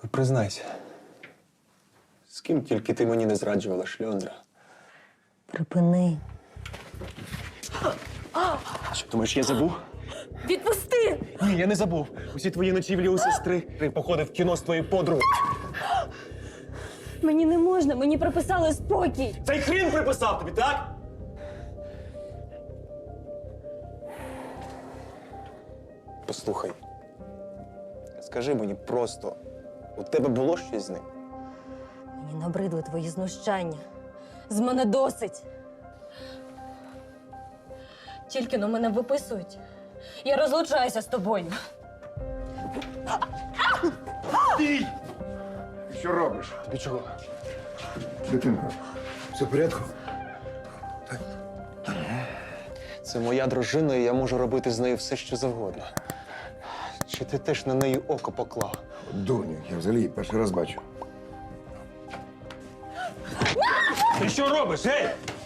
Признайся, з ким тільки ти мені не зраджувала, шльондра? Припини. Що, думаєш, я забув? Відпусти! Ні, я не забув. Усі твої ночівлі у сестри. Ти походив в кіно з твоєю подругою. Мені не можна, мені приписали спокій. Цей хрін приписав тобі, так? Послухай, скажи мені просто, у тебе було щось з ним? Мені набридли твої знущання. З мене досить. Тільки но мене виписують. Я розлучаюся з тобою. Ти! Що робиш? Тобі чого? Дитинко, все в порядку? Це моя дружина, і я можу робити з нею все, що завгодно. Чи ти теж на неї око поклав? Дурню, я взагалі її перший раз бачу. Ти що робиш, ей?